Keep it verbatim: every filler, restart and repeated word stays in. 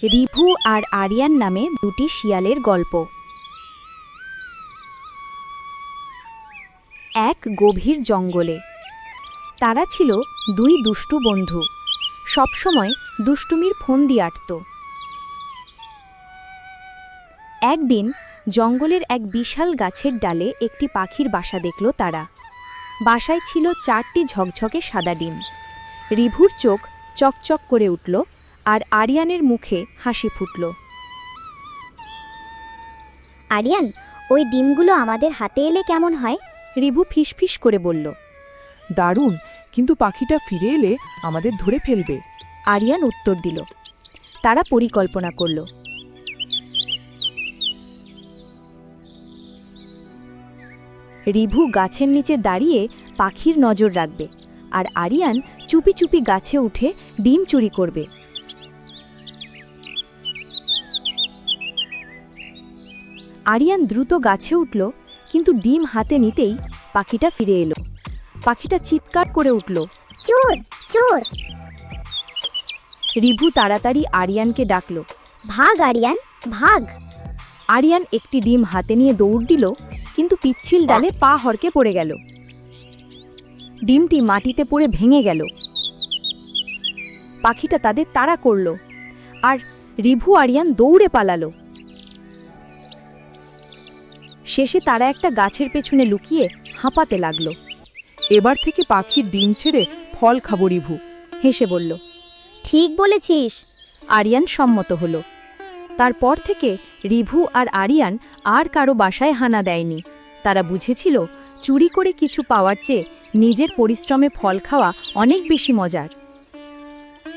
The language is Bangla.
রিভু আর আরিয়ান নামে দুটি শিয়ালের গল্প। এক গভীর জঙ্গলে তারা ছিল দুই দুষ্টু বন্ধু, সবসময় দুষ্টুমির ফন্দি আঁটত। একদিন জঙ্গলের এক বিশাল গাছের ডালে একটি পাখির বাসা দেখল তারা। বাসায় ছিল চারটি ঝকঝকে সাদা ডিম। রিভুর চোখ চকচক করে উঠল আর আরিয়ানের মুখে হাসি ফুটল। আরিয়ান, ওই ডিমগুলো আমাদের হাতে এলে কেমন হয়? রিভু ফিসফিস করে বলল। দারুণ, কিন্তু পাখিটা ফিরে এলে আমাদের ধরে ফেলবে। আরিয়ান উত্তর দিল। তারা পরিকল্পনা করল। রিভু গাছের নিচে দাঁড়িয়ে পাখির নজর রাখবে, আর আরিয়ান চুপি চুপি গাছে উঠে ডিম চুরি করবে। আরিয়ান দ্রুত গাছে উঠল, কিন্তু ডিম হাতে নিতেই পাখিটা ফিরে এলো। পাখিটা চিৎকার করে উঠল, চোর চোর! রিভু তাড়াতাড়ি আরিয়ানকে ডাকল। ভাগ আরিয়ান, ভাগ! আরিয়ান একটি ডিম হাতে নিয়ে দৌড় দিল, কিন্তু পিচ্ছিল ডালে পা হড়কে পড়ে গেল। ডিমটি মাটিতে পড়ে ভেঙে গেল। পাখিটা তাদের তাড়া করল, আর রিভু আরিয়ান দৌড়ে পালালো। শেষে তারা একটা গাছের পেছনে লুকিয়ে হাঁপাতে লাগলো। এবার থেকে পাখির ডিম ছেড়ে ফল খাবো, রিভু হেসে বলল। ঠিক বলেছিস। আরিয়ান সম্মত হলো। তারপর থেকে রিভু আর আরিয়ান আর কারো বাসায় হানা দেয়নি। তারা বুঝেছিল চুরি করে কিছু পাওয়ার চেয়ে নিজের পরিশ্রমে ফল খাওয়া অনেক বেশি মজার।